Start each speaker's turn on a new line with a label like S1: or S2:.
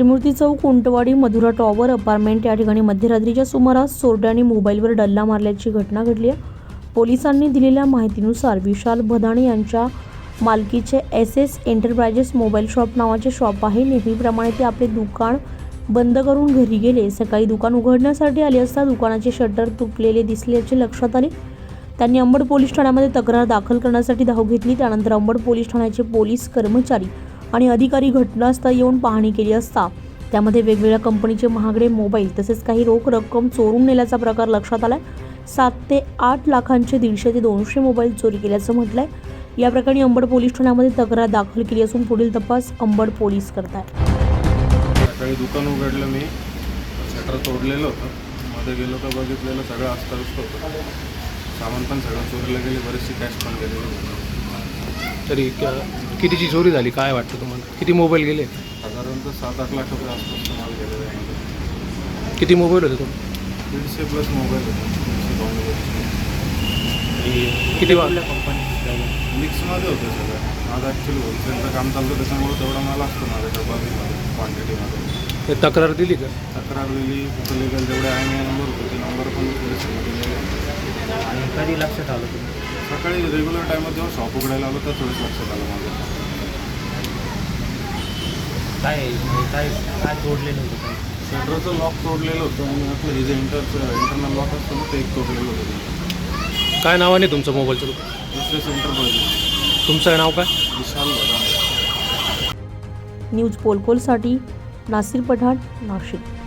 S1: जयमूर्ती Chowk, Untwadi, Madhura tower apartment या ठिकाणी मध्यरात्रीच्या सुमारास चोरट्यांनी मोबाईलवर डल्ला मारल्याची घटना घडली आहे। पोलिसांनी दिलेल्या माहितीनुसार विशाल भदाणे यांच्या मालकीचे SS एंटरप्राइजेस मोबाईल शॉप नावाचे शॉप आहे। नेहमीप्रमाणे ते आपले दुकान बंद करून घरी गेले। सकाळी दुकान उघडण्यासाठी आले असता दुकानाचे शटर तुटलेले दिसल्याचे लक्षात आले। त्यांनी अंबड पोलीस ठाण्यामध्ये तक्रार दाखल करण्यासाठी धाव घेतली। त्यानंतर अंबड पोलीस ठाण्याचे पोलीस कर्मचारी आणि अधिकारी घटनास्थळी येऊन पाहणी केली असता त्यामध्ये वेगवेगळ्या कंपनीचे महागडे मोबाईल तसेच काही रोख रक्कम चोरून नेल्याचा प्रकार लक्षात आलाय। 7 ते 8 लाखांचे 150 ते 200 मोबाईल चोरी केल्याचं म्हटलंय। या प्रकरणी अंबड पोलीस ठाण्यामध्ये तक्रार दाखल केली असून पुढील तपास अंबड पोलीस करतायत।
S2: सकाळी दुकान उघडलं, मी शटर तोडलेलं होतं, मध्ये गेलो तर बघितलेलं सगळं अस्ताव्यस्त होतं। सामान पण सगळं चोरीला गेले, बरेचशी कॅश पण गेलेली।
S3: तरी कितीची चोरी झाली काय वाटतं तुम्हाला? किती मोबाईल गेले?
S2: साधारणतः 7-8 लाख रुपये आसपास माल गेलेला आहे।
S3: किती मोबाईल होते तुम्ही?
S2: 150+ मोबाईल होते।
S3: किती
S2: मिक्समध्ये होतं सगळं। माझं ॲक्च्युली होलसेलचं काम चालतं, त्याच्यामुळे तेवढा माल असतो माझ्याकडे बल्कमध्ये, क्वांटिटीमध्ये।
S3: तक्रार दिली का?
S2: तक्रार दिली, कुठं लिगल जेवढे IMEI नंबर होते ते नंबर पण दिले।
S4: आणि कधी लक्षात आलं तुम्ही?
S2: सकाळी रेग्युलर टायमात जेव्हा शॉप उघडायला आलो तर थोडंच लक्षात आलं माझं।
S4: काय तोडलेलं होतं?
S2: शटरचं लॉक तोडलेलं होतं आणि आपलं हे जे इंटरनल लॉक असतं ना ते एक तोडलेलं होतं।
S3: काय नावाने तुमचं मोबाईलचं दुकान?
S2: SS enterprises.
S3: तुमचं नाव काय?
S2: विशाल भदाणे।
S1: न्यूज पोलकोलसाठी नासिर पठाण, नाशिक।